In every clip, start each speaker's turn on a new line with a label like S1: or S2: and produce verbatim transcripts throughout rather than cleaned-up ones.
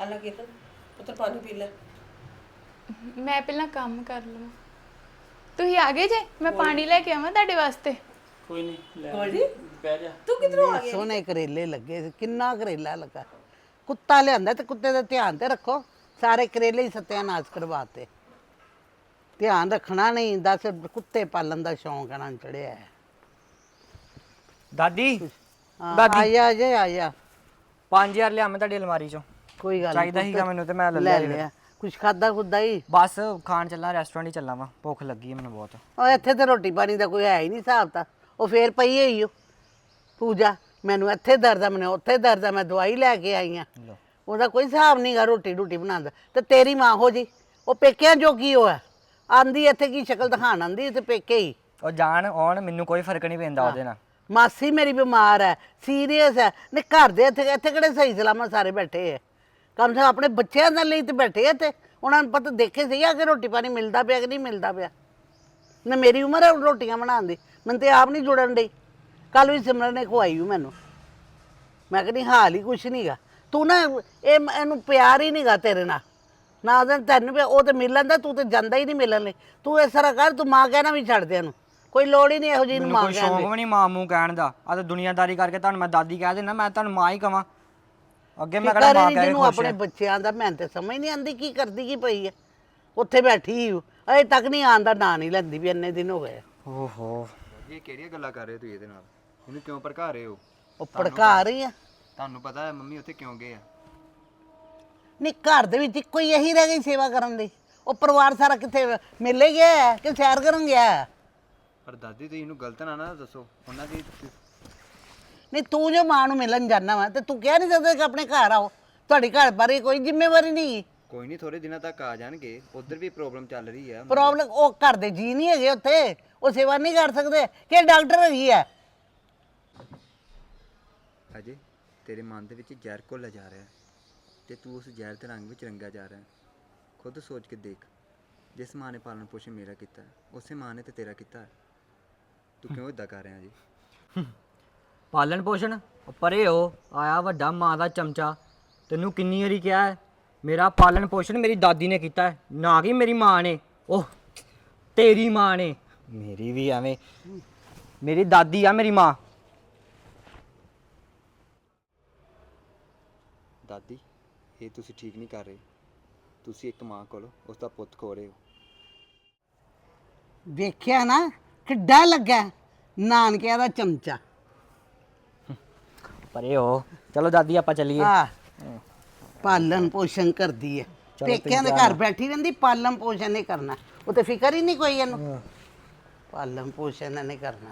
S1: ਲੈ ਕੇ ਪੁੱਤਰ ਪਾਣੀ ਪੀ ਲੈ।
S2: ਮੈਂ ਪਹਿਲਾਂ ਕੰਮ ਕਰ ਲਵਾਂ। ਤੁਸੀਂ ਆ ਗਏ ਜੇ? ਮੈਂ ਪਾਣੀ ਲੈ ਕੇ ਆਵਾਂ ਤੁਹਾਡੇ ਵਾਸਤੇ?
S3: ਕੋਈ ਨਹੀਂ ਲੈ
S1: ਗੋਲਡੀ
S3: ਬਹਿ ਜਾ।
S1: ਤੂੰ ਕਿਧਰੋਂ ਆ ਗਿਆ?
S4: ਸੋਹਣੇ ਕਰੇਲੇ ਲੱਗੇ ਸੀ, ਕਿੰਨਾ ਕਰੇਲਾ ਲੱਗਾ। ਕੁੱਤਾ ਲਿਆਂਦਾ ਤੇ ਕੁੱਤੇ ਦਾ ਧਿਆਨ ਤੇ ਰੱਖੋ। ਸਾਰੇ ਕਰੇਲੇ ਹੀ ਸਤਿਆਨਾਸ਼ ਕਰਵਾਤੇ। ਧਿਆਨ ਰੱਖਣਾ ਨਹੀਂ, ਦੱਸ ਕੁੱਤੇ ਪਾਲਣ ਦਾ ਸ਼ੌਂਕ ਇਹਨਾਂ ਨੂੰ ਚੜਿਆ ਹੈ।
S5: ਦਾਦੀ
S4: ਹਾਂ,
S5: ਦਾਦੀ।
S4: ਆਇਆ ਜੇ ਆਇਆ।
S5: ਪੰਜ ਹਜ਼ਾਰ ਲਿਆ ਮੈਂ ਤੁਹਾਡੀ ਅਲਮਾਰੀ ਚੋਂ।
S4: ਕੋਈ ਗੱਲ ਨੀ,
S5: ਚਾਹੀਦਾ
S4: ਪੁੱਤ,
S5: ਸੀਗਾ ਮੈਨੂੰ ਤੇ ਮੈਂ ਲੈ
S4: ਲੈ
S5: ਲਿਆ।
S4: ਲਿਆ। ਕੁਛ ਖਾਦਾ ਖੁਦਾ ਹੀ?
S5: ਬਸ ਖਾਣ ਚੱਲਾਂ, ਰੈਸਟੋਰੈਂਟ ਹੀ ਚੱਲਾਂ ਵਾ, ਭੁੱਖ ਲੱਗੀ ਹੈ ਮੈਨੂੰ ਬਹੁਤ।
S4: ਉਹ ਇੱਥੇ ਤੇ ਰੋਟੀ ਪਾਣੀ ਦਾ ਕੋਈ ਹੈ ਹੀ ਨਹੀਂ ਹਿਸਾਬ ਤਾਂ। ਉਹ ਫੇਰ ਪਈ ਹੋਈ ਓ ਪੂਜਾ, ਮੈਨੂੰ ਇੱਥੇ ਦਰਦ ਆ, ਮੈਨੂੰ ਉੱਥੇ ਦਰਦ ਆ, ਮੈਂ ਦਵਾਈ ਲੈ ਕੇ ਆਈ ਆ। ਉਹਦਾ ਕੋਈ ਹਿਸਾਬ ਨਹੀਂਗਾ ਰੋਟੀ ਰੋਟੀ ਬਣਾਉਂਦਾ। ਤੇ ਤੇਰੀ ਮਾਂ ਹੋ ਜੀ, ਉਹ ਪੇਕਿਆਂ ਜੋਗੀ ਉਹ ਹੈ। ਆਂਦੀ ਇੱਥੇ ਕੀ ਸ਼ਕਲ ਦਿਖਾਣ ਆਂਦੀ ਤੇ ਪੇਕੇ ਹੀ।
S5: ਉਹ ਜਾਣ ਆਉਣ ਮੈਨੂੰ ਕੋਈ ਫਰਕ ਨਹੀਂ ਪੈਂਦਾ ਉਹਦੇ ਨਾਲ।
S4: ਮਾਸੀ ਮੇਰੀ ਬਿਮਾਰ ਹੈ, ਸੀਰੀਅਸ ਹੈ। ਨੇ ਘਰ ਦੇ ਇੱਥੇ ਇੱਥੇ ਕਿਹੜੇ ਸਹੀ ਸਲਾਮਤ ਸਾਰੇ ਬੈਠੇ ਹੈ? ਕਮ ਸੇ ਕਮ ਆਪਣੇ ਬੱਚਿਆਂ ਦੇ ਲਈ ਤੇ ਬੈਠੇ ਆ। ਤੇ ਉਹਨਾਂ ਨੂੰ ਪਤਾ ਦੇਖੇ ਸਹੀ ਆ ਕਿ ਰੋਟੀ ਪਾਣੀ ਮਿਲਦਾ ਪਿਆ ਕਿ ਨਹੀਂ ਮਿਲਦਾ ਪਿਆ। ਨਾ ਮੇਰੀ ਉਮਰ ਹੈ ਰੋਟੀਆਂ ਬਣਾਉਣ ਦੀ, ਮੈਨੂੰ ਤੇ ਆਪ ਨਹੀਂ ਜੁੜਨ ਡਈ। ਕੱਲ ਵੀ ਸਿਮਰਨ ਨੇ ਖਵਾਈ ਉਹ ਮੈਨੂੰ। ਮੈਂ ਕਹਿੰਦੀ ਹਾਲ ਹੀ ਕੁਛ ਨਹੀਂਗਾ। ਤੂੰ ਨਾ ਇਹ ਇਹਨੂੰ ਪਿਆਰ ਹੀ ਨਹੀਂਗਾ ਤੇਰੇ ਨਾਲ। ਨਾ ਉਹਦੇ ਤੈਨੂੰ ਪਿਆ, ਉਹ ਤੇ ਮਿਲਣ ਦਾ, ਤੂੰ ਤੇ ਜਾਂਦਾ ਹੀ ਨਹੀਂ ਮਿਲਣ ਲਈ। ਤੂੰ ਇਸ ਤਰ੍ਹਾਂ ਕਰ, ਤੂੰ ਮਾਂ ਕਹਿਣਾ ਵੀ ਛੱਡ ਦੇ ਇਹਨੂੰ। ਕੋਈ ਲੋੜ ਹੀ ਨਹੀਂ ਇਹੋ ਜਿਹੀ ਨੂੰ
S5: ਮੈਨੂੰ
S4: ਮਾਂ
S5: ਕੋਈ
S4: ਕਹਿਣ
S5: ਸ਼ੌਂਕ
S4: ਦੀ।
S5: ਵੀ ਨਹੀਂ ਮਾਂ ਮੂੰਹ ਕਹਿਣ ਦਾ। ਆ ਤਾਂ ਦੁਨੀਆਦਾਰੀ ਕਰਕੇ ਤੁਹਾਨੂੰ ਮੈਂ ਦਾਦੀ ਕਹਿ ਦੇਣਾ, ਮੈਂ ਤੁਹਾਨੂੰ ਮਾਂ ਹੀ ਕਵਾਂ। ਅੱਗੇ ਮੈਂ ਕਿਹੜਾ
S4: ਫਿਕਰ ਹੀ
S5: ਮਾਂ
S4: ਨੀ
S5: ਕਹਿ ਕੇ
S4: ਜਿਹਨੂੰ
S5: ਖੁਸ਼
S4: ਆਪਣੇ
S5: ਹੈ।
S4: ਬੱਚਿਆਂ ਦਾ। ਮੈਂ ਤੇ ਸਮਝ ਨਹੀਂ ਆਂਦੀ ਕੀ ਕਰਦੀ ਕੀ ਪਈ ਹੈ ਉੱਥੇ ਬੈਠੀ ਹੂੰ। ਅਜੇ ਤੱਕ ਨਹੀਂ ਆਉਣ ਦਾ ਨਾਂ ਨਹੀਂ ਲੈਂਦੀ ਵੀ ਇੰਨੇ ਦਿਨ ਹੋ ਗਏ।
S5: ਓਹੋ
S6: ਇਹ ਕਿਹੜੀਆਂ ਗੱਲਾਂ ਕਰ ਰਹੇ ਹੋ ਤੁਸੀਂ ਇਹਦੇ ਨਾਲ? ਇਹਨੂੰ ਕਿਉਂ ਭੜਕਾ ਰਹੇ ਹੋ?
S4: ਉਹ ਭੜਕਾ ਰਹੀ ਆ।
S6: ਤੁਹਾਨੂੰ ਪਤਾ ਹੈ ਮੰਮੀ ਉੱਥੇ ਕਿਉਂ ਗਏ ਆ?
S4: ਨਹੀਂ ਘਰ ਦੇ ਵਿੱਚ ਇੱਕੋ ਹੀ ਇਹੀ ਰਹਿ ਗਈ ਸੇਵਾ ਕਰਨ ਦੀ। ਉਹ ਪਰਿਵਾਰ ਸਾਰਾ ਕਿੱਥੇ ਮੇਲੇ ਗਿਆ ਹੈ ਕਿ ਸੈਰ ਕਰਨ ਗਿਆ ਹੈ?
S6: ਪਰ ਦਾਦੀ ਤੁਸੀਂ ਇਹਨੂੰ ਗਲਤ ਨਾ ਨਾ ਦੱਸੋ। ਉਹਨਾਂ ਦੀ
S4: ਨਹੀਂ ਤੂੰ ਜੋ ਮਾਂ ਨੂੰ ਮਿਲਣ ਜਾਣਾ ਵਾ ਤੇ ਤੂੰ ਕਹਿ ਨਹੀਂ ਸਕਦਾ ਕਿ ਆਪਣੇ ਘਰ ਆਓ। ਤੁਹਾਡੀ ਘਰ ਬਾਰੇ ਕੋਈ ਜ਼ਿੰਮੇਵਾਰੀ ਨਹੀਂ।
S6: ਕੋਈ ਨਹੀਂ, ਥੋੜੇ ਦਿਨਾਂ ਤੱਕ ਆ ਜਾਣਗੇ। ਉਧਰ ਵੀ ਪ੍ਰੋਬਲਮ ਚੱਲ ਰਹੀ ਆ।
S4: ਪ੍ਰੋਬਲਮ ਉਹ ਘਰ ਦੇ ਜੀ ਨਹੀਂ ਹੈਗੇ ਉੱਥੇ, ਉਹ ਸੇਵਾ ਨਹੀਂ ਕਰ ਸਕਦੇ ਕਿ ਡਾਕਟਰ ਹੈਗੀ ਹੈ।
S6: ਅਜੇ ਤੇਰੇ ਮਨ ਦੇ ਵਿੱਚ ਜ਼ਹਿਰ ਘੁੱਲ ਜਾ ਰਿਹਾ ਤੇ ਤੂੰ ਉਸ ਜ਼ਹਿਰ ਦੇ ਰੰਗ ਵਿੱਚ ਰੰਗਾ ਜਾ ਰਿਹਾ। ਖੁਦ ਸੋਚ ਕੇ ਦੇਖ, ਜਿਸ ਮਾਂ ਨੇ ਪਾਲਣ ਪੋਸ਼ਣ ਮੇਰਾ ਕੀਤਾ ਉਸੇ ਮਾਂ ਨੇ ਤੇ ਤੇਰਾ ਕੀਤਾ। ਤੂੰ ਕਿਉਂ ਇਦਾਂ ਕਰ ਰਿਹਾ ਜੀ?
S5: ਪਾਲਣ ਪੋਸ਼ਣ ਉਹ ਪਰੇ ਹੋ ਆਇਆ ਵੱਡਾ ਮਾਂ ਦਾ ਚਮਚਾ। ਤੈਨੂੰ ਕਿੰਨੀ ਵਾਰੀ ਕਿਹਾ ਹੈ ਮੇਰਾ ਪਾਲਣ ਪੋਸ਼ਣ ਮੇਰੀ ਦਾਦੀ ਨੇ ਕੀਤਾ ਹੈ, ਨਾ ਕਿ ਮੇਰੀ ਮਾਂ ਨੇ। ਉਹ ਤੇਰੀ ਮਾਂ ਨੇ। ਮੇਰੀ ਵੀ ਐਵੇਂ, ਮੇਰੀ ਦਾਦੀ ਆ ਮੇਰੀ ਮਾਂ।
S6: ਦਾਦੀ ਇਹ ਤੁਸੀਂ ਠੀਕ ਨਹੀਂ ਕਰ ਰਹੇ। ਤੁਸੀਂ ਇੱਕ ਮਾਂ ਕੋਲ ਉਸ ਦਾ ਪੁੱਤ ਖੋ ਰਹੇ ਹੋ।
S4: ਵੇਖਿਆ ਨਾ ਕਿੱਡਾ ਲੱਗਾ ਨਾਨਕਿਆਂ ਦਾ ਚਮਚਾ।
S5: ਪਰੇ ਹੋ ਚਲੋ ਦਾਦੀ ਆਪਾਂ ਚੱਲੀਏ।
S4: ਆ ਪਾਲਣ ਪੋਸ਼ਣ ਕਰਦੀ ਹੈ। ਪੇਕਿਆਂ ਦੇ ਘਰ ਬੈਠੀ ਰਹਿੰਦੀ, ਪਾਲਣ ਪੋਸ਼ਣ ਨਹੀਂ ਕਰਨਾ। ਉਹ ਤੇ ਫਿਕਰ ਹੀ ਨਹੀਂ ਕੋਈ ਇਹਨੂੰ। ਪਾਲਣ ਪੋਸ਼ਣ ਨਹੀਂ ਕਰਨਾ।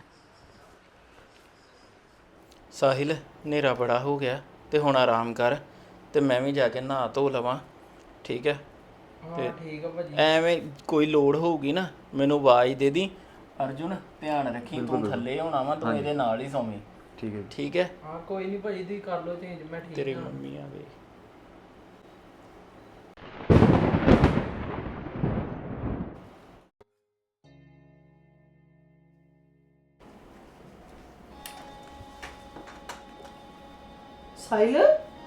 S3: ਸਾਹਿਲ ਹਨੇਰਾ ਬੜਾ ਹੋ ਗਿਆ ਤੇ ਹੁਣ ਆਰਾਮ ਕਰ ਤੇ ਮੈਂ ਵੀ ਜਾ ਕੇ ਨਹਾ ਧੋ ਲਵਾਂ। ਠੀਕ ਹੈ? ਤੇ
S5: ਠੀਕ ਆ ਭਾਜੀ।
S3: ਐਵੇਂ ਕੋਈ ਲੋੜ ਹੋਊਗੀ ਨਾ ਮੈਨੂੰ ਆਵਾਜ਼ ਦੇ ਦੀ। ਅਰਜੁਨ ਧਿਆਨ ਰੱਖੀ, ਤੂੰ ਥੱਲੇ ਹੋਣਾ ਵਾ, ਤੂੰ ਇਹਦੇ ਨਾਲ ਹੀ ਸੌਵੇਂ।
S6: ਠੀਕ ਹੈ
S3: ਠੀਕ ਹੈ?
S5: ਹਾਂ ਕੋਈ ਨਹੀਂ ਭਾਜੀ, ਤੁਸੀਂ ਕਰ ਲਓ ਚੇਂਜ, ਮੈਂ ਠੀਕ
S3: ਤੇਰੀ ਮੰਮੀ ਆ ਗਈ।
S1: ਸਾਹਿਲ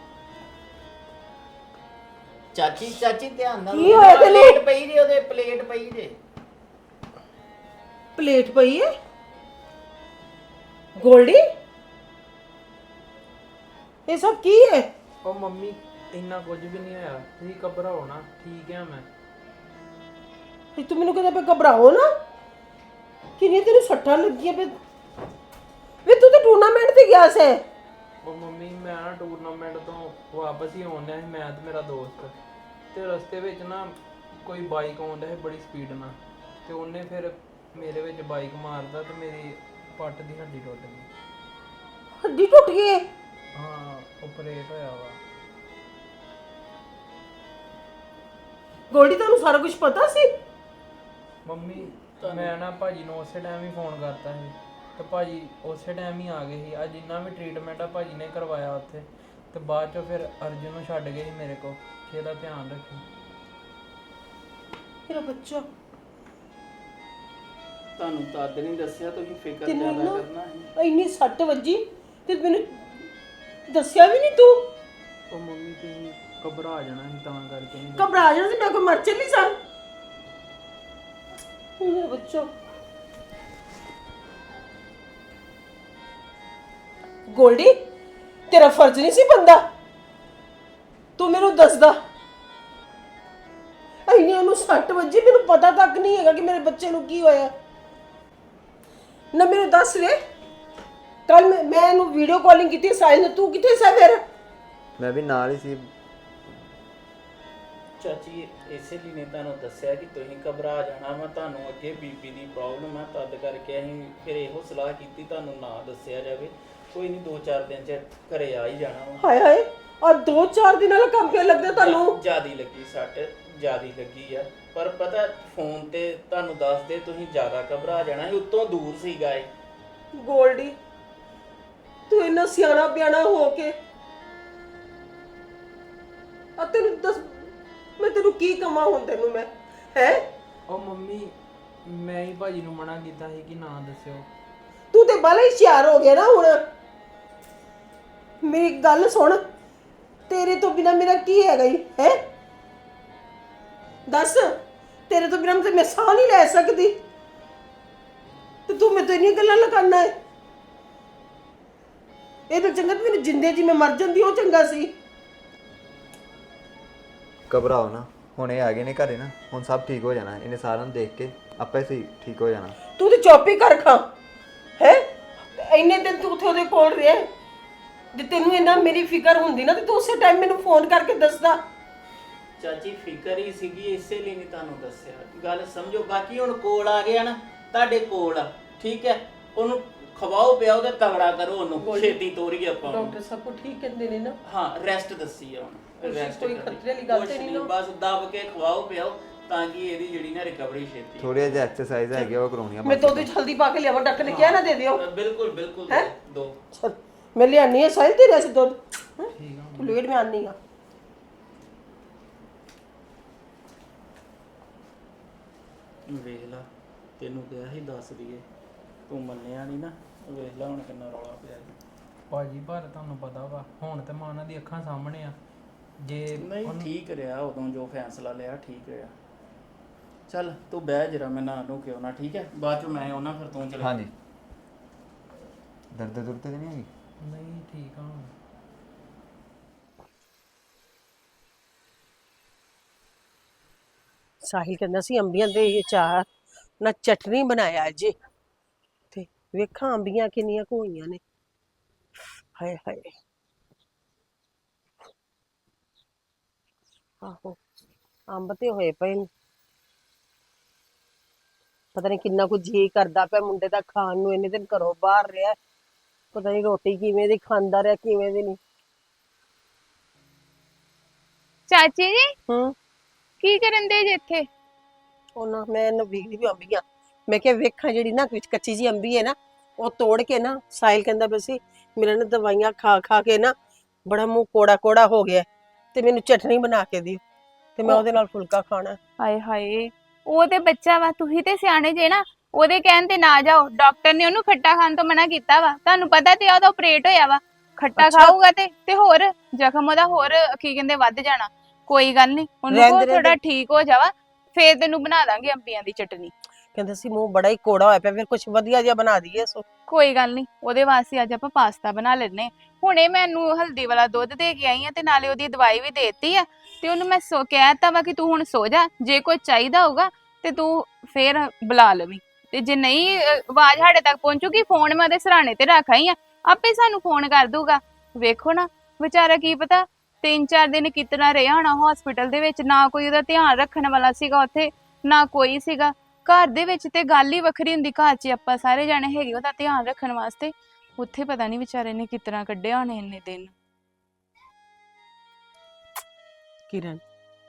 S3: ਚਾਚੀ ਚਾਚੀ ਧਿਆਨ ਨਾਲ।
S1: ਕੀ ਹੋਇਆ ਤੈਨੂੰ?
S3: ਪਲੇਟ ਪਈ ਜੇ ਉਹਦੇ, ਪਲੇਟ ਪਈ ਜੇ।
S1: ਪਲੇਟ ਪਈ ਹੈ? ਗੋਲਡੀ ਇਹ ਸਭ ਕੀ ਹੈ?
S7: ਉਹ ਮੰਮੀ ਇੰਨਾ ਕੁਝ ਵੀ ਨਹੀਂ ਹੋਇਆ, ਤੁਸੀਂ ਘਬਰਾਓ ਨਾ, ਠੀਕ ਆ ਮੈਂ।
S1: ਇਹ ਤੂੰ ਮੈਨੂੰ ਕਹਿੰਦਾ ਪਿਆ ਘਬਰਾਓ ਨਾ? ਕਿੰਨੀ ਤੈਨੂੰ ਸੱਟਾਂ ਲੱਗੀਆਂ ਪਈ? ਵੇ ਤੂੰ ਤਾਂ ਟੂਰਨਾਮੈਂਟ ਤੇ ਗਿਆ ਸੀ।
S7: ਉਹ ਮੰਮੀ ਮੈਂ ਨਾ ਟੂਰਨਾਮੈਂਟ ਤੋਂ ਵਾਪਸ ਹੀ ਆਉਣ ਡਿਆ ਸੀ, ਮੈਂ ਤੇ ਮੇਰਾ ਦੋਸਤ। ਤੇ ਰਸਤੇ ਵਿੱਚ ਨਾ ਕੋਈ ਬਾਈਕ ਆਉਣ ਡਿਆ ਸੀ ਬੜੀ ਸਪੀਡ ਨਾਲ, ਤੇ ਉਹਨੇ ਫਿਰ ਮੇਰੇ ਵਿੱਚ ਬਾਈਕ ਮਾਰਦਾ ਤੇ ਮੇਰੀ ਪੱਟ ਦੀ ਹੱਡੀ ਟੁੱਟ ਗਈ।
S1: ਹੱਡੀ ਟੁੱਟ ਗਈ ਹੈ?
S7: ਹਾਂ ਆਪਰੇਟ ਹੋਇਆ ਵਾ।
S1: ਗੋਲਡੀ ਤੁਹਾਨੂੰ ਸਾਰਾ ਕੁਝ ਪਤਾ ਸੀ?
S7: ਮੰਮੀ ਮੈਂ ਨਾ ਭਾਜੀ ਨੂੰ ਉਸੇ ਟਾਈਮ ਹੀ ਫੋਨ ਕਰਤਾ ਸੀ ਤੇ ਭਾਜੀ ਉਸੇ ਟਾਈਮ ਹੀ ਆ ਗਏ ਸੀ। ਅੱਜ ਜਿੰਨਾ ਵੀ ਟ੍ਰੀਟਮੈਂਟ ਆ ਭਾਜੀ ਨੇ ਕਰਵਾਇਆ ਉੱਥੇ, ਤੇ ਬਾਅਦ ਚੋਂ ਫਿਰ ਅਰਜੁਨ ਨੂੰ ਛੱਡ ਗਏ ਸੀ ਮੇਰੇ ਕੋਲ ਕਿ ਇਹਦਾ ਧਿਆਨ ਰੱਖੀ।
S1: ਮੇਰਾ ਬੱਚਾ
S3: ਤੁਹਾਨੂੰ ਤਦ ਨਹੀਂ ਦੱਸਿਆ, ਤੁਸੀਂ ਫਿਕਰ
S1: ਤੈਨੂੰ
S3: ਜ਼ਿਆਦਾ
S1: ਇੰਨਾ
S3: ਕਰਨਾ ਸੀ।
S1: ਇੰਨੀ ਸੱਟ ਵੱਜੀ ਤੇ ਮੈਨੂੰ ਦੱਸਿਆ ਵੀ ਨਹੀਂ ਤੂੰ?
S7: ਉਹ ਮੰਮੀ ਤੁਸੀਂ ਘਬਰਾ ਜਾਣਾ ਸੀ ਤਾਂ ਕਰਕੇ ਨਹੀਂ
S1: ਘਬਰਾ ਜਾਣਾ ਸੀ, ਮੈਂ ਕੋਈ ਮਰ ਚੱਲੀ ਸਾਂ। ਮੇਰੇ ਬੱਚੋ ਗੋਲਡੀ, ਤੇਰਾ ਫਰਜ਼ ਨਹੀਂ ਸੀ ਬੰਦਾ, ਤੂੰ ਮੈਨੂੰ ਦੱਸਦਾ। ਇੰਨੀ ਉਹਨੂੰ ਸੱਟ ਵੱਜੀ, ਮੈਨੂੰ ਪਤਾ ਤੱਕ ਨਹੀਂ ਹੈਗਾ ਕਿ ਮੇਰੇ ਬੱਚੇ ਨੂੰ ਕੀ ਹੋਇਆ। ਨਾ ਮੈਨੂੰ ਦੱਸ ਵੇ, ਕੱਲ ਮੈਂ ਮੈਂ ਇਹਨੂੰ ਵੀਡੀਓ ਕਾਲਿੰਗ ਕੀਤੀ ਸਾਹਿਲ ਨੂੰ, ਤੂੰ ਕਿੱਥੇ ਸੀ ਫਿਰ?
S6: ਮੈਂ ਵੀ ਨਾਲ ਹੀ ਸੀ।
S3: ਚਾਚੀ ਇਸੇ ਲਈ ਨੇ ਤੁਹਾਨੂੰ ਦੱਸਿਆ ਕਿ ਤੁਸੀਂ ਘਬਰਾ ਜਾਣਾ, ਮੈਂ ਤੁਹਾਨੂੰ ਅੱਗੇ ਬੀਪੀ ਦੀ ਪ੍ਰੋਬਲਮ ਆ ਤਦ ਕਰਕੇ ਅਸੀਂ ਫਿਰ ਇਹੋ ਸਲਾਹ ਕੀਤੀ ਤੁਹਾਨੂੰ ਨਾ ਦੱਸਿਆ ਜਾਵੇ। ਕੋਈ ਨਹੀਂ, ਦੋ ਚਾਰ ਦਿਨ ਚ ਘਰੇ ਆ ਹੀ ਜਾਣਾ ਵਾ।
S1: ਹਾਏ ਹਾਏ, ਔਰ ਦੋ ਚਾਰ ਦਿਨਾਂ ਨਾਲ ਕੰਮ ਕਿਉਂ ਲੱਗਦਾ ਤੁਹਾਨੂੰ?
S3: ਜਿਆਦੀ ਲੱਗੀ ਸੱਟ, ਜਿਆਦੀ ਲੱਗੀ ਆ, ਪਰ ਪਤਾ ਫੋਨ ਤੇ ਤੁਹਾਨੂੰ ਦੱਸਦੇ ਤੁਸੀਂ ਜ਼ਿਆਦਾ ਘਬਰਾ ਜਾਣਾ ਸੀ, ਉੱਤੋਂ ਦੂਰ ਸੀਗਾ ਇਹ।
S1: ਗੋਲਡੀ, ਤੂੰ ਇੰਨਾ ਸਿਆਣਾ ਪਿਆਣਾ ਹੋ ਕੇ ਆ ਤੈਨੂੰ ਦੱਸ, ਮੈਂ ਤੈਨੂੰ ਕੀ ਕਵਾਂ ਹੁਣ ਤੈਨੂੰ ਮੈਂ ਹੈ?
S7: ਉਹ ਮੰਮੀ ਮੈਂ ਹੀ ਭਾਜੀ ਨੂੰ ਮਨਾ ਕੀਤਾ ਸੀ ਕਿ ਨਾ ਦੱਸਿਓ।
S1: ਤੂੰ ਤੇ ਬਾਲਾ ਹੀ ਹੁਸ਼ਿਆਰ ਹੋ ਗਿਆ ਨਾ ਹੁਣ। ਮੇਰੀ ਗੱਲ ਸੁਣ, ਤੇਰੇ ਤੋਂ ਬਿਨਾ ਮੇਰਾ ਕੀ ਹੈਗਾ ਹੀ ਹੈ? ਦੱਸ, ਤੇਰੇ ਤੋਂ ਬਿਨਾ ਮੈਂ ਸਾਹ ਨਹੀਂ ਲੈ ਸਕਦੀ ਤੇ ਤੂੰ ਮੈਨੂੰ ਇੰਨੀਆਂ ਗੱਲਾਂ ਲਗਾਉਣਾ ਹੈ। ਇਹ ਤਾਂ ਚੰਗਾ ਤੇ ਮੈਨੂੰ ਜਿੰਦੇ ਜੀ ਮੈਂ ਮਰ ਜਾਂਦੀ, ਉਹ ਚੰਗਾ ਸੀ।
S6: ਘਬਰਾਓ ਨਾ, ਹੁਣ ਇਹ ਆ ਗਏ ਨੇ ਘਰੇ ਨਾ, ਹੁਣ ਸਭ ਠੀਕ ਹੋ ਜਾਣਾ। ਇਹਨੇ ਸਾਰਿਆਂ ਨੂੰ ਦੇਖ ਕੇ ਆਪੇ ਸਹੀ ਠੀਕ ਹੋ ਜਾਣਾ।
S1: ਤੂੰ ਤੇ ਚੁੱਪ ਹੀ ਕਰ ਖਾ ਹੈ। ਇੰਨੇ ਦਿਨ ਤੂੰ ਉੱਥੇ ਉਹਦੇ ਕੋਲ ਰਿਹਾ, ਜੇ ਤੈਨੂੰ ਇੰਨਾ ਮੇਰੀ ਫਿਕਰ ਹੁੰਦੀ ਨਾ ਤੇ ਤੂੰ ਉਸੇ ਟਾਈਮ ਮੈਨੂੰ ਫੋਨ ਕਰਕੇ ਦੱਸਦਾ।
S3: ਚਾਚੀ ਫਿਕਰ ਹੀ ਸੀਗੀ, ਇਸੇ ਲਈ ਨਹੀਂ ਤੁਹਾਨੂੰ ਦੱਸਿਆ। ਗੱਲ ਸਮਝੋ, ਬਾਕੀ ਹੁਣ ਕੋਲ ਆ ਗਿਆ ਨਾ, ਤੁਹਾਡੇ ਕੋਲ ਆ, ਠੀਕ ਹੈ। ਉਹਨੂੰ ਖਵਾਓ ਪਿਆਓ ਤੇ ਤਗੜਾ ਕਰੋ, ਉਹਨੂੰ ਛੇਤੀ ਤੋਰੀ ਆਪਾਂ ਉਹਨੂੰ।
S1: ਡਾਕਟਰ ਸਭ ਕੁਝ ਠੀਕ ਕਹਿੰਦੇ ਨੇ ਨਾ?
S3: ਹਾਂ, ਰੈਸਟ ਦੱਸੀ ਆ ਹੁਣ, ਰੈਸਟ
S1: ਕੋਈ ਖਤਰੇ ਵਾਲੀ ਗੱਲ ਤੇ ਨਹੀਂ ਨਾ?
S3: ਬਸ ਦਬ ਕੇ ਖਵਾਓ ਪਿਆਓ ਤਾਂ ਕਿ ਇਹਦੀ ਜਿਹੜੀ ਨਾ ਰਿਕਵਰੀ ਛੇਤੀ।
S6: ਥੋੜੀ ਜਿਹੀ ਐਕਸਰਸਾਈਜ਼ ਹੈਗੀ ਆ, ਉਹ ਕਰਾਉਣੀ ਆ।
S1: ਮੈਂ ਤਾਂ ਉਹਦੇ ਜਲਦੀ ਪਾ ਕੇ ਲਿਆਵਾਂ, ਡਾਕਟਰ ਨੇ ਕਿਹਾ ਨਾ ਦੇ ਦਿਓ।
S3: ਬਿਲਕੁਲ ਬਿਲਕੁਲ ਦੋ।
S1: ਚਲ ਮੈਂ ਲਿਆਨੀ ਆ ਸਾਹਿਲ ਤੇਰੇ ਵਾਸਤੇ ਦੁੱਧ। ਠੀਕ ਆ, ਤੂੰ ਲੇਟ ਮੈਂ ਆਨੀ ਆ।
S3: ਵੇਖ ਲਾ, ਤੈਨੂੰ ਕਿਹਾ ਸੀ ਦੱਸ ਦਈਏ, ਤੂੰ ਮੰਨਿਆ ਨਹੀਂ ਨਾ। ਵੇਖ ਲਾ ਹੁਣ ਕਿੰਨਾ ਰੌਲਾ ਪਿਆ ਜੀ।
S7: ਭਾਜੀ ਪਰ ਤੁਹਾਨੂੰ ਪਤਾ ਵਾ ਹੁਣ ਤੇ ਮੈਂ ਉਹਨਾਂ ਦੀ ਅੱਖਾਂ ਸਾਹਮਣੇ ਆ। ਜੇ
S3: ਨਹੀਂ ਠੀਕ ਰਿਹਾ, ਉਦੋਂ ਜੋ ਫੈਸਲਾ ਲਿਆ ਠੀਕ ਰਿਹਾ। ਚੱਲ ਤੂੰ ਬਹਿ ਜਰਾ, ਮੈਂ ਨਾ ਨੂੰ ਕਿਉਂ ਨਾ, ਠੀਕ ਹੈ। ਬਾਅਦ ਚ ਮੈਂ ਉਹਨਾਂ ਫਿਰ ਤੂੰ ਚਲੇ।
S6: ਹਾਂਜੀ, ਦਰਦ ਦੁਰਦ ਤੇ ਨਹੀਂ ਹੈਗੀ?
S7: ਨਹੀਂ ਠੀਕ ਆ ਹੁਣ।
S1: ਸਾਹਿਲ ਕਹਿੰਦਾ ਸੀ ਅੰਬੀਆਂ ਦੇ ਇਹ ਚਾਰ ਨਾ ਚਟਨੀ ਬਣਾਇਆ ਜੀ, ਤੇ ਵੇਖਾਂ ਅੰਬੀਆਂ ਕਿੰਨੀਆਂ ਕੁ ਹੋਈਆਂ ਨੇ। ਹਾਏ ਹਾਏ, ਆਹੋ ਅੰਬ ਤੇ ਹੋਏ ਪਏ ਨੇ। ਪਤਾ ਨਹੀਂ ਕਿੰਨਾ ਕੁ ਜੀ ਕਰਦਾ ਪਿਆ ਮੁੰਡੇ ਦਾ ਖਾਣ ਨੂੰ। ਇੰਨੇ ਦਿਨ ਘਰੋਂ ਬਾਹਰ ਰਿਹਾ, ਪਤਾ ਨਹੀਂ ਰੋਟੀ ਕਿਵੇਂ ਦੀ ਖਾਂਦਾ ਰਿਹਾ, ਕਿਵੇਂ ਦੀ ਨਹੀਂ।
S2: ਚਾਚੀ ਜੀ
S1: ਹੂੰ,
S2: ਕੀ ਕਰਨ ਦੇ ਜੇ ਇੱਥੇ?
S1: ਉਹਨਾਂ ਮੈਂ ਇਹਨੂੰ ਵੇਖਦੀ ਵੀ ਅੰਬੀਆਂ, ਮੈਂ ਕਿਹਾ ਵੇਖਾਂ ਜਿਹੜੀ ਨਾ ਵਿੱਚ ਕੱਚੀ ਜੀ ਅੰਬੀ ਹੈ ਨਾ, ਉਹ ਤੋੜ ਕੇ ਨਾ, ਸਾਹਿਲ ਕਹਿੰਦਾ ਬਈ ਸੀ ਮੇਰੇ ਨੇ ਦਵਾਈਆਂ ਖਾ ਖਾ ਕੇ ਨਾ ਬੜਾ ਮੂੰਹ ਕੋੜਾ ਕੋੜਾ ਹੋ ਗਿਆ, ਤੇ ਮੈਨੂੰ ਚਟਨੀ ਬਣਾ ਕੇ ਦਿਓ ਤੇ ਮੈਂ ਉਹਦੇ ਨਾਲ ਫੁਲਕਾ ਖਾਣਾ।
S2: ਹਾਏ ਹਾਏ, ਉਹ ਤੇ ਬੱਚਾ ਵਾ, ਤੁਸੀਂ ਤੇ ਸਿਆਣੇ ਜੇ ਨਾ। ਉਹਦੇ ਕਹਿਣ ਤੇ ਨਾ ਜਾਓ, ਡਾਕਟਰ ਨੇ ਉਹਨੂੰ ਖੱਟਾ ਖਾਣ ਤੋਂ ਮਨਾ ਕੀਤਾ ਵਾ। ਤੁਹਾਨੂੰ ਪਤਾ ਤੇ ਉਹਦਾ ਆਪਰੇਟ ਹੋਇਆ ਵਾ, ਖੱਟਾ ਖਾਊਗਾ ਤੇ ਤੇ ਹੋਰ ਜ਼ਖਮ ਉਹਦਾ ਹੋਰ ਕੀ ਕਹਿੰਦੇ ਵੱਧ ਜਾਣਾ। ਕੋਈ ਗੱਲ ਨਹੀਂ, ਉਹਨੂੰ ਕੋ ਥੋੜਾ ਠੀਕ ਹੋ ਜਾਵਾ, ਫੇਰ ਤੈਨੂੰ ਬਣਾ ਦਾਂਗੇ ਅੰਬੀਆਂ ਦੀ ਚਟਨੀ।
S1: ਕਹਿੰਦੇ ਸੀ ਮੂੰਹ ਬੜਾ ਹੀ ਕੋੜਾ ਹੋਇਆ ਪਿਆ, ਫਿਰ ਕੁਝ ਵਧੀਆ ਜਿਹਾ ਬਣਾ ਦਈਏ। ਸੋ
S2: ਕੋਈ ਗੱਲ ਨਹੀਂ, ਉਹਦੇ ਵਾਸਤੇ ਅੱਜ ਆਪਾਂ ਪਾਸਤਾ ਬਣਾ ਲੈਣੇ। ਹੁਣੇ ਮੈਨੂੰ ਹਲਦੀ ਵਾਲਾ ਦੁੱਧ ਦੇ ਕੇ ਆਈ ਆ ਤੇ ਨਾਲੇ ਉਹਦੀ ਦਵਾਈ ਵੀ ਦੇਤੀ ਆ, ਤੇ ਉਹਨੂੰ ਮੈਂ ਸੋ ਕਹਿਤਾ ਵਾ ਕਿ ਤੂੰ ਹੁਣ ਸੋ ਜਾ, ਜੇ ਕੋਈ ਚਾਹੀਦਾ ਹੋਊਗਾ ਤੇ ਤੂੰ ਫੇਰ ਬੁਲਾ ਲਵੀਂ। ਤੇ ਜੇ ਨਹੀਂ ਆਵਾਜ਼ ਸਾਡੇ ਤੱਕ ਪਹੁੰਚੂਗੀ, ਫੋਨ ਮੈਂ ਉਹਦੇ ਸਰਾਣੇ ਤੇ ਰੱਖ ਆਈ ਆ, ਆਪੇ ਸਾਨੂੰ ਫੋਨ ਕਰ ਦੂਗਾ। ਵੇਖੋ ਨਾ ਵਿਚਾਰਾ, ਕੀ ਪਤਾ ਤਿੰਨ ਚਾਰ ਦਿਨ ਕਿਤਨਾ ਰਿਹਾ ਹੋਣਾ ਹਸਪੀਟਲ ਦੇ ਵਿੱਚ, ਨਾ ਕੋਈ ਉਹਦਾ ਧਿਆਨ ਰੱਖਣ ਵਾਲਾ ਸੀਗਾ ਉੱਥੇ, ਨਾ ਕੋਈ ਸੀਗਾ ਘਰ ਦੇ ਵਿੱਚ। ਤੇ ਗੱਲ ਹੀ ਵੱਖਰੀ ਹੁੰਦੀ, ਘਰ 'ਚ ਆਪਾਂ ਸਾਰੇ ਜਾਣੇ ਹੈਗੇ ਉਹਦਾ ਧਿਆਨ ਰੱਖਣ ਵਾਸਤੇ, ਉੱਥੇ ਪਤਾ ਨਹੀਂ ਵਿਚਾਰੇ ਨੇ ਕਿਤਨਾ ਕੱਢਿਆ ਹੋਣੇ ਇੰਨੇ ਦਿਨ।
S1: ਕਿਰਨ,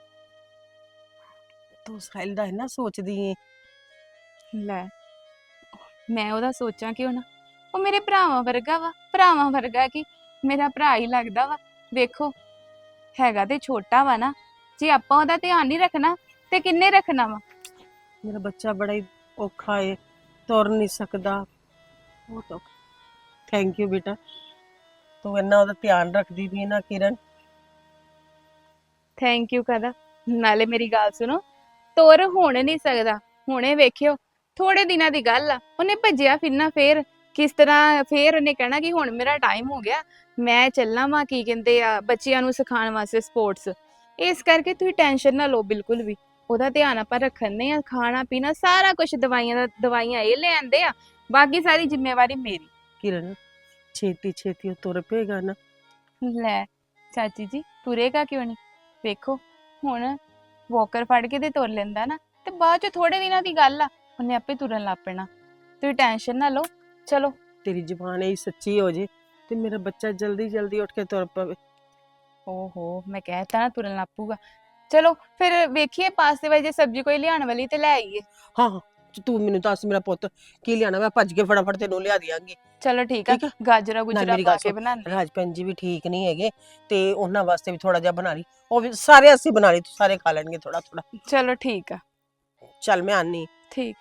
S1: ਤੂੰ ਸਾਹਿਲ ਦਾ ਇੰਨਾ ਸੋਚਦੀ ਏ?
S2: ਲੈ ਮੈਂ ਉਹਦਾ ਸੋਚਾਂ ਕਿਉਂ ਨਾ, ਉਹ ਮੇਰੇ ਭਰਾਵਾਂ ਵਰਗਾ ਵਾ। ਭਰਾਵਾਂ ਵਰਗਾ ਕੀ, ਮੇਰਾ ਭਰਾ ਹੀ ਲੱਗਦਾ ਵਾ। ਵੇਖੋ ਹੈਗਾ ਤੇ ਛੋਟਾ ਵਾ ਨਾ, ਜੇ ਆਪਾਂ ਉਹਦਾ ਧਿਆਨ ਨਹੀਂ ਰੱਖਣਾ ਤੇ ਕਿੰਨੇ ਰੱਖਣਾ ਵਾ।
S1: ਮੇਰਾ ਬੱਚਾ ਬੜਾ ਹੀ ਔਖਾ ਏ, ਤੁਰ ਨਹੀਂ ਸਕਦਾ। ਬਹੁਤ ਔਖਾ। ਥੈਂਕ ਯੂ ਬੇਟਾ, ਤੂੰ ਇੰਨਾ ਉਹਦਾ ਧਿਆਨ ਰੱਖਦੀ ਵੀ ਨਾ ਕਿਰਨ।
S2: ਥੈਂਕ ਯੂ ਕਦਾ। ਨਾਲੇ ਮੇਰੀ ਗੱਲ ਸੁਣੋ, ਤੋਰ ਹੋਣ ਨਹੀਂ ਸਕਦਾ। ਹੁਣੇ ਵੇਖਿਓ, ਥੋੜੇ ਦਿਨਾਂ ਦੀ ਗੱਲ ਆ, ਉਹਨੇ ਭੱਜਿਆ ਫਿਰਨਾ ਫੇਰ ਕਿਸ ਤਰ੍ਹਾਂ, ਫੇਰ ਉਹਨੇ ਕਹਿਣਾ ਕਿ ਹੁਣ ਮੇਰਾ ਟਾਈਮ ਹੋ ਗਿਆ, ਮੈਂ ਚੱਲਾਂ ਵਾਂ ਕੀ ਕਹਿੰਦੇ ਆ ਬੱਚਿਆਂ ਨੂੰ ਸਿਖਾਉਣ ਵਾਸਤੇ ਸਪੋਰਟਸ। ਇਸ ਕਰਕੇ ਤੁਸੀਂ ਟੈਨਸ਼ਨ ਨਾ ਲਓ ਬਿਲਕੁਲ ਵੀ। ਉਹਦਾ ਧਿਆਨ ਆਪਾਂ ਰੱਖਣੇ ਆ, ਖਾਣਾ ਪੀਣਾ ਸਾਰਾ ਕੁਝ, ਦਵਾਈਆਂ ਦਾ ਦਵਾਈਆਂ ਇਹ ਲੈ ਆਂਦੇ ਆ, ਬਾਕੀ ਸਾਰੀ ਜ਼ਿੰਮੇਵਾਰੀ ਮੇਰੀ।
S1: ਕਿਰਨ ਛੇਤੀ ਛੇਤੀ ਉਹ ਤੁਰ ਪਏਗਾ ਨਾ।
S2: ਲੈ ਚਾਚੀ ਜੀ, ਤੁਰੇਗਾ ਕਿਉਂ ਨਹੀਂ? ਵੇਖੋ ਹੁਣ ਵਾਕਰ ਫੜ ਕੇ ਤੇ ਤੁਰ ਲੈਂਦਾ ਨਾ, ਤੇ ਬਾਅਦ ਚ ਥੋੜੇ ਦਿਨਾਂ ਦੀ ਗੱਲ ਆ, ਉਹਨੇ ਆਪੇ ਤੁਰਨ ਲੱਗ ਪੈਣਾ। ਤੁਸੀਂ ਟੈਨਸ਼ਨ ਨਾ ਲਓ। ਚਲੋ
S1: ਤੇਰੀ ਜ਼ੁਬਾਨ ਹੀ ਸੱਚੀ ਹੋ ਜੇ ਤੇ ਮੇਰਾ ਬੱਚਾ ਜਲਦੀ ਜਲਦੀ ਉੱਠ ਕੇ ਤੁਰ ਪਵੇ।
S2: ਓਹੋ, ਮੈਂ ਕਹਿਤਾ ਨਾ ਤੁਰਨ ਲੱਗ ਪਊਗਾ। ਚਲੋ ਫਿਰ ਵੇਖੀਏ ਪਾਸਤੇ ਵਾਲੀ ਜੇ ਸਬਜ਼ੀ ਕੋਈ ਲਿਆਉਣ ਵਾਲੀ ਤੇ ਲੈ ਆਈਏ।
S1: ਹਾਂ ਹਾਂ, ਤੂੰ ਮੈਨੂੰ ਦੱਸ ਮੇਰਾ ਪੁੱਤ ਕੀ ਲਿਆਣਾ, ਮੈਂ ਭੱਜ ਕੇ ਫਟਾਫਟ ਤੈਨੂੰ ਲਿਆ ਦਿਆਂਗੀ।
S2: ਚਲੋ ਠੀਕ ਆ,
S1: ਠੀਕ ਆ।
S2: ਗਾਜਰਾਂ
S1: ਨਾਲ
S2: ਗੁਜਰਾ
S1: ਮੇਰੀ
S2: ਪਾ
S1: ਗੱਲ
S2: ਕੇ
S1: ਸੁਣ,
S2: ਬਣਾਉਂਦੇ।
S1: ਰਾਜ ਭੈਣ ਜੀ ਵੀ ਠੀਕ ਨਹੀਂ ਹੈਗੇ ਤੇ ਉਹਨਾਂ ਵਾਸਤੇ ਵੀ ਥੋੜਾ ਜਿਹਾ ਬਣਾ ਲਈ, ਉਹ ਵੀ ਸਾਰੇ ਅਸੀਂ ਬਣਾ ਲਈ, ਸਾਰੇ ਖਾ ਲੈਣਗੇ ਥੋੜਾ ਥੋੜਾ।
S2: ਚਲੋ ਠੀਕ ਆ।
S1: ਚੱਲ ਮੈਂ ਆਨੀ।
S2: ਠੀਕ।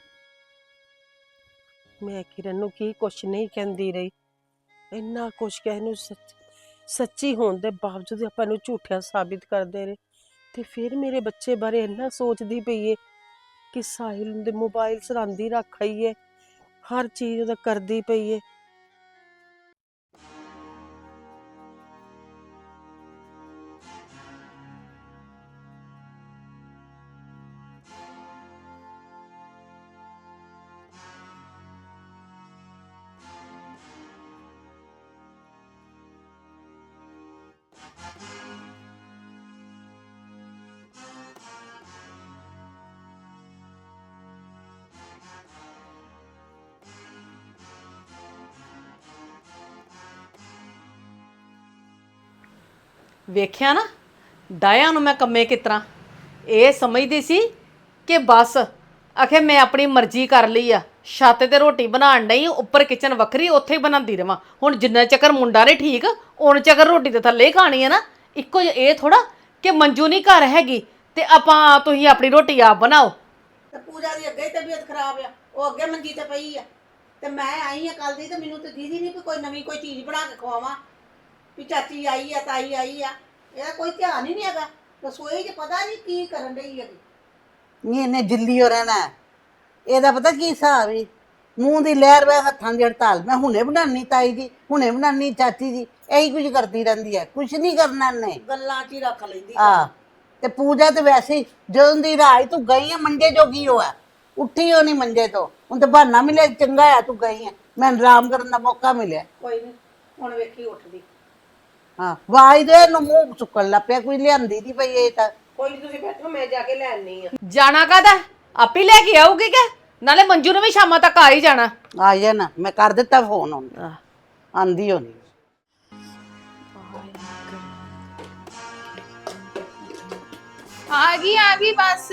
S1: ਮੈਂ ਕਿਰਨ ਨੂੰ ਕੀ ਕੁਛ ਨਹੀਂ ਕਹਿੰਦੀ ਰਹੀ, ਇੰਨਾ ਕੁਛ ਕਹਿ ਨੂੰ ਸੱਚ ਸੱਚੀ ਹੋਣ ਦੇ ਬਾਵਜੂਦ ਆਪਾਂ ਨੂੰ ਝੂਠਿਆ ਸਾਬਿਤ ਕਰਦੇ ਰਹੇ। ਤੇ ਫਿਰ ਮੇਰੇ ਬੱਚੇ ਬਾਰੇ ਇੰਨਾ ਸੋਚਦੀ ਪਈ ਏ ਕਿ ਸਾਹਿਲ ਦੇ ਮੋਬਾਈਲ ਸਰਾਂਦੀ ਰੱਖ ਆਈ ਏ, ਹਰ ਚੀਜ਼ ਉਹਦਾ ਕਰਦੀ ਪਈ ਏ।
S8: ਵੇਖਿਆ ਨਾ ਡਾਇਆ ਨੂੰ ਮੈਂ ਕੰਮੇ ਕਿਸ ਤਰ੍ਹਾਂ ਇਹ ਸਮਝਦੀ ਸੀ ਕਿ ਬਸ ਆਖੇ ਮੈਂ ਆਪਣੀ ਮਰਜ਼ੀ ਕਰ ਲਈ ਆ, ਛੱਤ ਤੇ ਰੋਟੀ ਬਣਾਉਣ ਨਹੀਂ, ਉੱਪਰ ਕਿਚਨ ਵੱਖਰੀ, ਉੱਥੇ ਹੀ ਬਣਾਉਂਦੀ ਰਵਾਂ। ਹੁਣ ਜਿੰਨਾ ਚੱਕਰ ਮੁੰਡਾ ਨੇ ਠੀਕ, ਉਨ ਚੱਕਰ ਰੋਟੀ ਤੇ ਥੱਲੇ ਹੀ ਖਾਣੀ ਹੈ ਨਾ। ਇੱਕੋ ਜਿਹਾ ਇਹ ਥੋੜਾ ਕਿ ਮੰਜੂ ਨਹੀਂ ਘਰ ਹੈਗੀ ਤੇ ਆਪਾਂ ਤੁਸੀਂ ਆਪਣੀ ਰੋਟੀ ਆਪ ਬਣਾਓ।
S4: ਤੇ ਪੂਜਾ ਦੀ ਅੱਗੇ ਹੀ ਤਬੀਅਤ ਖਰਾਬ ਆ, ਉਹ ਅੱਗੇ ਮੰਜੀ ਤੇ ਪਈ ਆ, ਤੇ ਮੈਂ ਆਈ ਆ ਕੱਲ ਦੀ, ਤੇ ਮੈਨੂੰ ਤੇ ਦੀਦੀ ਨਹੀਂ ਵੀ ਕੋਈ ਨਵੀਂ ਕੋਈ ਚੀਜ਼ ਬਣਾ ਕੇ ਖਵਾਵਾਂ, ਵੀ ਚਾਚੀ ਆਈ ਆ, ਤਾਈ ਆਈ ਆ, ਇਹਦਾ ਕੋਈ ਧਿਆਨ ਹੀ ਨਹੀਂ ਹੈਗਾ। ਰਸੋਈ 'ਚ ਪਤਾ ਨਹੀਂ ਕੀ ਕਰਨ ਡਈ ਹੈਗੀ।
S9: ਨਹੀਂ ਇਹਨੇ ਦਿੱਲੀ ਹੋ ਰਹਿਣਾ, ਇਹਦਾ ਪਤਾ ਕੀ ਹਿਸਾਬ ਹੈ, ਮੂੰਹ ਦੀ ਲਹਿਰ ਵੇ ਹੱਥਾਂ ਦੀ ਹੜਤਾਲ। ਮੈਂ ਹੁਣੇ ਬਣਾਉਣੀ ਤਾਈ ਜੀ, ਹੁਣੇ ਬਣਾਉਣੀ ਚਾਚੀ ਜੀ, ਇਹੀ ਕੁਝ ਕਰਦੀ ਰਹਿੰਦੀ ਹੈ, ਕੁਝ ਨਹੀਂ ਕਰਨਾ ਇਹਨੇ,
S4: ਗੱਲਾਂ 'ਚ ਹੀ ਰੱਖ ਲੈਂਦੀ।
S9: ਆ ਤੇ ਪੂਜਾ ਤੇ ਵੈਸੇ ਹੀ ਜਦੋਂ ਦੀ ਰਾਜ ਤੂੰ ਗਈ ਹੈ ਮੰਜੇ ਜੋਗੀ ਹੋਆ, ਉੱਠੀ ਹੋ ਨਹੀਂ ਮੰਜੇ ਤੋਂ, ਹੁਣ ਤੇ ਬਹਾਨਾ ਮਿਲਿਆ ਚੰਗਾ ਆ ਤੂੰ ਗਈ ਹੈ, ਮੈਨੂੰ ਆਰਾਮ ਕਰਨ ਦਾ ਮੌਕਾ ਮਿਲਿਆ।
S4: ਕੋਈ ਨਹੀਂ, ਹੁਣ ਵੇਖੀ ਉੱਠਦੀ।
S9: ਹਾਂ ਵਾਜ ਦੇ ਇਹਨੂੰ ਮੂੰਹ ਸੁੱਕਣ ਲੱਗ ਪਿਆ, ਕੋਈ ਲਿਆਂਦੀ ਨਹੀਂ ਪਈ ਇਹ ਤਾਂ।
S4: ਕੋਈ ਨਹੀਂ, ਤੁਸੀਂ ਬੈਠੋ, ਮੈਂ ਜਾ ਕੇ ਲੈ ਆਨੀ ਆ।
S8: ਜਾਣਾ ਕਾਹਦਾ, ਆਪੇ ਲੈ ਕੇ ਆਊਗੀ ਕਿ ਨਾਲੇ ਮੰਜੂ ਨੂੰ ਵੀ ਸ਼ਾਮਾਂ ਤੱਕ ਆ ਹੀ ਜਾਣਾ।
S9: ਆ ਜਾ ਨਾ, ਮੈਂ ਕਰ ਦਿੱਤਾ ਫੋਨ ਹੁਣ, ਆਂਦੀ ਹੋਣੀ।
S2: ਆ ਗਈ ਆ ਗਈ ਬਸ।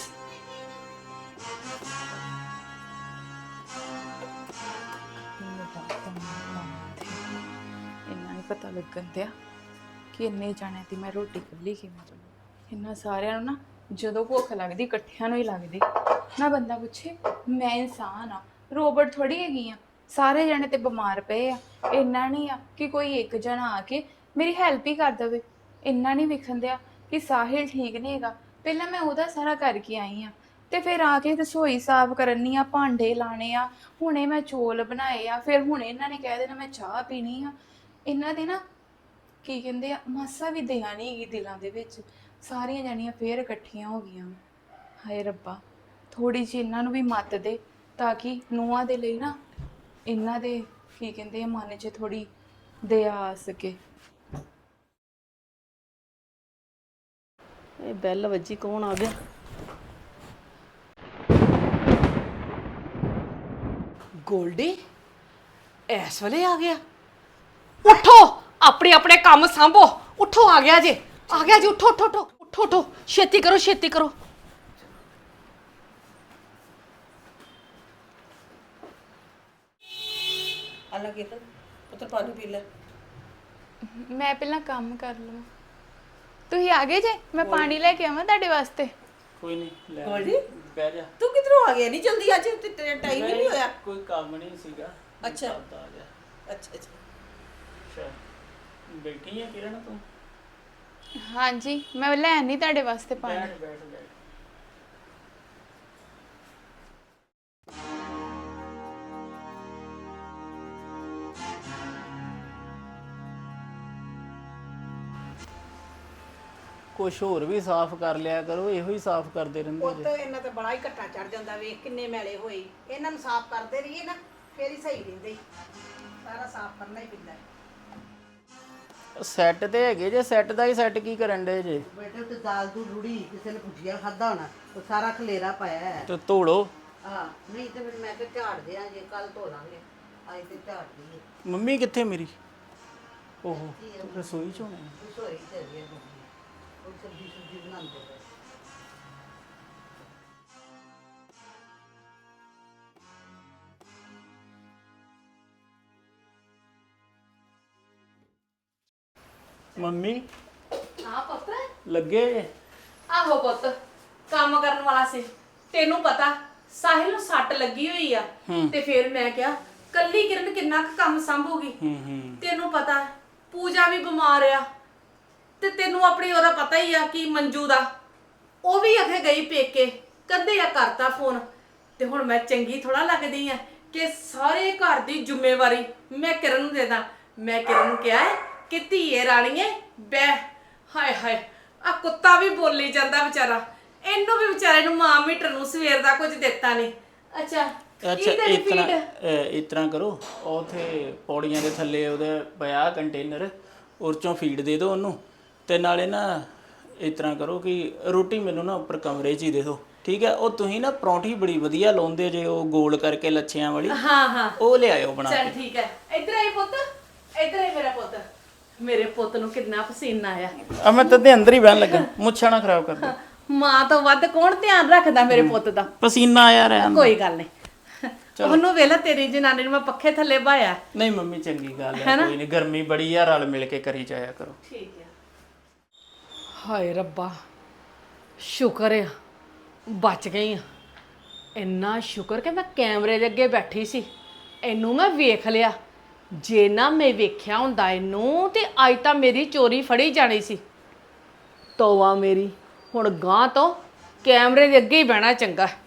S2: ਇੰਨਾ ਨਹੀਂ ਪਤਾ ਲੱਗਣ ਦਿਆ ਕਿ ਇੰਨੇ ਜਾਣਿਆਂ ਦੀ ਮੈਂ ਰੋਟੀ ਕੱਲੀ ਕਿਵੇਂ ਬਣਾਉਂ। ਇੰਨਾ ਸਾਰਿਆਂ ਨੂੰ ਨਾ ਜਦੋਂ ਭੁੱਖ ਲੱਗਦੀ ਇਕੱਠਿਆਂ ਨੂੰ ਹੀ ਲੱਗਦੀ ਨਾ। ਬੰਦਾ ਪੁੱਛੇ, ਮੈਂ ਇਨਸਾਨ ਆ, ਰੋਬੋਟ ਥੋੜੀ ਹੈਗੀ ਆ। ਸਾਰੇ ਜਣੇ ਤੇ ਬਿਮਾਰ ਪਏ ਆ, ਇੰਨਾ ਨਹੀਂ ਆ ਕਿ ਕੋਈ ਇੱਕ ਜਣਾ ਆ ਕੇ ਮੇਰੀ ਹੈਲਪ ਹੀ ਕਰ ਦੇਵੇ। ਇੰਨਾ ਨਹੀਂ ਵਿਖਣ ਦਿਆ ਕਿ ਸਾਹਿਲ ਠੀਕ ਨਹੀਂ ਹੈਗਾ, ਪਹਿਲਾਂ ਮੈਂ ਉਹਦਾ ਸਾਰਾ ਕਰਕੇ ਆਈ ਆ, ਤੇ ਫਿਰ ਆ ਕੇ ਰਸੋਈ ਸਾਫ਼ ਕਰਨੀ ਆ, ਭਾਂਡੇ ਲਾਣੇ ਆ, ਹੁਣੇ ਮੈਂ ਚੌਲ ਬਣਾਏ ਆ, ਫਿਰ ਹੁਣੇ ਇਹਨਾਂ ਨੇ ਕਹਿ ਦੇਣਾ ਮੈਂ ਚਾਹ ਪੀਣੀ ਆ। ਇਹਨਾਂ ਦੇ ਨਾ ਕੀ ਕਹਿੰਦੇ ਆ, ਮਾਸਾ ਵੀ ਦਇਆ ਨਹੀਂ ਹੈਗੀ ਦਿਲਾਂ ਦੇ ਵਿੱਚ। ਸਾਰੀਆਂ ਜਾਣੀਆਂ ਫੇਰ ਇਕੱਠੀਆਂ ਹੋ ਗਈਆਂ। ਹਾਏ ਰੱਬਾ, ਥੋੜੀ ਜਿਹੀ ਇਹਨਾਂ ਨੂੰ ਵੀ ਮੱਤ ਦੇ ਤਾਂ ਕਿ ਨੂੰਹਾਂ ਦੇ ਲਈ ਨਾ ਇਹਨਾਂ ਦੇ ਕੀ ਕਹਿੰਦੇ ਆ ਮਨ 'ਚ ਥੋੜੀ ਦਇਆ ਆ ਸਕੇ।
S8: ਇਹ ਬੈਲ ਵੱਜੀ, ਕੌਣ ਆ ਗਿਆ? ਗੋਲਡੀ ਐਸ ਵੇਲੇ ਆ ਗਿਆ? ਉੱਠੋ, ਆਪਣੇ ਆਪਣੇ ਕੰਮ ਸੰਭੋ, ਉੱਠੋ, ਆ ਗਿਆ ਜੇ, ਆ ਗਿਆ ਜੀ, ਉੱਠੋ ਉੱਠੋ ਉੱਠੋ ਉੱਠੋ ਉੱਠੋ, ਛੇਤੀ ਕਰੋ ਛੇਤੀ ਕਰੋ।
S1: ਹਾਲਾਂਕਿ ਪੁੱਤਰ ਪਾਣੀ ਪੀ ਲੈ।
S2: ਮੈਂ ਪਹਿਲਾਂ ਕੰਮ ਕਰ ਲਵਾਂ। ਤੁਸੀਂ ਆ ਗਏ ਜੇ? ਮੈਂ ਪਾਣੀ ਲੈ ਕੇ ਆਵਾਂ ਤੁਹਾਡੇ ਵਾਸਤੇ?
S3: ਕੋਈ ਨਹੀਂ, ਲੈ
S1: ਗੋਲਡੀ
S3: ਬਹਿ ਜਾ।
S1: ਤੂੰ ਕਿਧਰੋਂ ਆ ਗਿਆ ਨਹੀਂ ਜਲਦੀ? ਅੱਜ ਤੇ ਤੇਰਾ ਟਾਈਮ ਹੀ ਨਹੀਂ ਹੋਇਆ।
S3: ਕੋਈ ਕੰਮ ਨਹੀਂ ਸੀਗਾ।
S1: ਅੱਛਾ।
S3: ਤਦ ਆ ਗਿਆ।
S1: ਅੱਛਾ ਅੱਛਾ।
S3: ਅੱਛਾ, ਬੈਠੀ ਹੈ ਕਿਰਨ ਤੂੰ?
S2: ਹਾਂਜੀ ਮੈਂ ਲੈਣ ਨਹੀਂ ਤੁਹਾਡੇ ਵਾਸਤੇ ਪਾਣੀ।
S3: ਬੈਠ ਬੈਠ ਬੈਠ। ਕੁਛ ਹੋਰ ਵੀ ਸਾਫ਼ ਕਰ ਲਿਆ ਕਰੋ, ਇਹੋ ਹੀ ਸਾਫ਼ ਕਰਦੇ ਰਹਿੰਦੇ
S9: ਪੁੱਤ ਇਹਨਾਂ ਤੇ ਬੜਾ ਹੀ ਘੱਟਾ ਚੜ ਜਾਂਦਾ, ਵੇਖ ਕਿੰਨੇ ਮੈਲੇ ਹੋਏ। ਇਹਨਾਂ ਨੂੰ ਸਾਫ਼ ਕਰਦੇ ਰਹੀਏ ਨਾ ਫੇਰ ਹੀ ਸਹੀ ਰਹਿੰਦੇ। ਸਾਰਾ ਸਾਫ਼ ਕਰਨਾ ਹੀ ਪੈਂਦਾ।
S3: ਜੇ। ਸੈੱਟ ਤੇ ਹੈਗੇ ਜੇ, ਸੈੱਟ ਦਾ ਹੀ ਸੈੱਟ ਕੀ ਕਰਨ ਡੇ ਜੇ?
S9: ਬੇਟੇ ਤੇ ਦਾਲ ਦੂਲ ਰੁੜੀ, ਕਿਸੇ ਨੇ ਭੁਜੀਆ ਖਾਦਾ ਹੋਣਾ, ਉਹ ਸਾਰਾ ਖਲੇਰਾ ਪਾਇਆ ਹੈ।
S3: ਤੇ ਧੋਲੋ।
S9: ਹਾਂ ਨਹੀਂ ਤੇ ਫਿਰ ਮੈਂ ਕਿਹਾ ਝਾੜ ਦਿਆਂ, ਜੇ ਕੱਲ ਧੋ ਲਾਂਗੇ, ਅੱਜ ਤੇ ਝਾੜ ਦਈਏ।
S3: ਮੰਮੀ ਕਿੱਥੇ ਮੇਰੀ? ਓਹੋ ਰਸੋਈ ਚ ਹੋਣੇ।
S9: ਰਸੋਈ ਚ ਹੈਗੀ ਆ ਮੰਮੀ, ਉਹ ਸਬਜ਼ੀ ਸੁਬਜ਼ੀ ਬਣਾਉਂਦੇ ਪਏ।
S3: ਮੰਮੀ
S8: ਹਾਂ ਪੁੱਤ।
S3: ਲੱਗੇ ਜੇ?
S8: ਆਹੋ ਪੁੱਤ, ਕੰਮ ਕਰਨ ਵਾਲਾ ਸੀ। ਤੈਨੂੰ ਪਤਾ ਸਾਹਿਲ ਨੂੰ ਸੱਟ ਲੱਗੀ ਹੋਈ ਆ, ਤੇ ਫਿਰ ਮੈਂ ਕਿਹਾ ਕੱਲੀ ਕਿਰਨ ਕਿੰਨਾ ਕੁ ਕੰਮ ਸੰਭੂਗੀ।
S3: ਹੂੰ ਹੂੰ।
S8: ਤੈਨੂੰ ਪਤਾ ਹੈ, ਪੂਜਾ ਵੀ ਬਿਮਾਰ ਆ, ਤੇ ਤੈਨੂੰ ਆਪਣੀ ਉਹਦਾ ਪਤਾ ਹੀ ਆ ਕਿ ਮੰਜੂ ਦਾ, ਉਹ ਵੀ ਅਖੇ ਗਈ ਪੇਕੇ, ਕਦੇ ਆ ਕਰਤਾ ਫੋਨ। ਤੇ ਹੁਣ ਮੈਂ ਚੰਗੀ ਥੋੜਾ ਲੱਗਦੀ ਆ ਕਿ ਸਾਰੇ ਘਰ ਦੀ ਜ਼ਿੰਮੇਵਾਰੀ ਮੈਂ ਕਿਰਨ ਨੂੰ ਦੇ ਦਾਂ। ਮੈਂ ਕਿਰਨ ਨੂੰ ਕਿਹਾ ਹੈ ਕਿ ਧੀਏ ਰਾਣੀਏ ਬੈ। ਹਾਏ ਹਾਏ, ਆ ਕੁੱਤਾ ਵੀ ਬੋਲੀ ਜਾਂਦਾ ਵਿਚਾਰਾ, ਇਹਨੂੰ ਵੀ ਵਿਚਾਰੇ ਨੂੰ ਮਾਂ ਮੀਟਰ ਨੂੰ ਸਵੇਰ ਦਾ ਕੁਝ ਦਿੱਤਾ ਨਹੀਂ। ਅੱਛਾ
S3: ਅੱਛਾ
S8: ਕੀ ਤੇਰੀ
S3: ਇਸ ਤਰ੍ਹਾਂ
S8: feed?
S3: ਅਹ, ਇਸ ਤਰ੍ਹਾਂ ਕਰੋ, ਉਥੇ ਪੌੜੀਆਂ ਦੇ ਥੱਲੇ ਉਹਦੇ ਪਿਆ ਕੰਟੇਨਰ, ਉਹ 'ਚੋਂ ਫੀਡ ਦੇ ਦਿਓ ਉਹਨੂੰ। ਤੇ ਨਾਲੇ ਨਾ ਇਸ ਤਰ੍ਹਾਂ ਕਰੋ ਕਿ ਰੋਟੀ ਮੈਨੂੰ ਨਾ ਉੱਪਰ ਕਮਰੇ 'ਚ ਹੀ ਦੇ ਦਿਓ, ਠੀਕ ਹੈ? ਉਹ ਤੁਸੀਂ ਨਾ ਪਰੌਂਠੀ ਬੜੀ ਵਧੀਆ ਲਾਉਂਦੇ ਜੇ, ਉਹ ਗੋਲ ਕਰਕੇ ਲੱਛਿਆਂ ਵਾਲੀ,
S8: ਹਾਂ ਹਾਂ
S3: ਉਹ ਲਿਆਇਓ ਬਣਾ
S8: ਚੱਲ
S3: ਕੇ।
S8: ਠੀਕ ਹੈ। ਇੱਧਰ ਆਈ ਪੁੱਤ, ਇੱਧਰ ਆਈ ਮੇਰਾ ਪੁੱਤ। ਮੇਰੇ ਪੁੱਤ ਨੂੰ ਕਿੰਨਾ ਪਸੀਨਾ ਆਇਆ।
S3: ਆ ਮੈਂ ਤਦੇ ਅੰਦਰ ਹੀ ਬਹਿਣ ਲੱਗਾ, ਮੁੱਛਾਂ ਨਾ ਖਰਾਬ ਕਰ ਦੇ।
S8: ਮਾਂ ਤੋਂ ਵੱਧ ਕੌਣ ਧਿਆਨ ਰੱਖਦਾ ਮੇਰੇ ਪੁੱਤ ਦਾ?
S3: ਪਸੀਨਾ ਆਇਆ ਰਿਹਾ।
S8: ਕੋਈ ਗੱਲ ਨਹੀਂ, ਉਹਨੂੰ ਵੇਲਾ ਤੇਰੀ ਜਨਾਨੀ ਨੂੰ ਮੈਂ ਪੱਖੇ ਥੱਲੇ ਬਾਇਆ।
S3: ਨਹੀਂ ਮੰਮੀ ਚੰਗੀ ਗੱਲ ਹੈ, ਕੋਈ ਨਹੀਂ, ਗਰਮੀ ਬੜੀ ਆ, ਰਲ ਮਿਲ ਕੇ ਕਰੀ ਜਾਇਆ ਕਰੋ।
S8: ਠੀਕ ਹੈ। ਹਾਏ ਰੱਬਾ, ਸ਼ੁਕਰ ਆ ਬਚ ਗਈ ਆ। ਇੰਨਾ ਸ਼ੁਕਰ ਕਿ ਮੈਂ ਕੈਮਰੇ ਦੇ ਅੱਗੇ ਬੈਠੀ ਸੀ, ਇਹਨੂੰ ਮੈਂ ਵੇਖ ਲਿਆ। ਜੇ ਨਾ ਮੈਂ ਵੇਖਿਆ ਹੁੰਦਾ ਇਹਨੂੰ ਤੇ ਅੱਜ ਤਾਂ ਮੇਰੀ ਚੋਰੀ ਫੜੀ ਜਾਣੀ ਸੀ। ਤੋਵਾ ਮੇਰੀ, ਹੁਣ ਗਾਂ ਤੋਂ ਕੈਮਰੇ ਦੇ ਅੱਗੇ ਹੀ ਬਹਿਣਾ ਚੰਗਾ।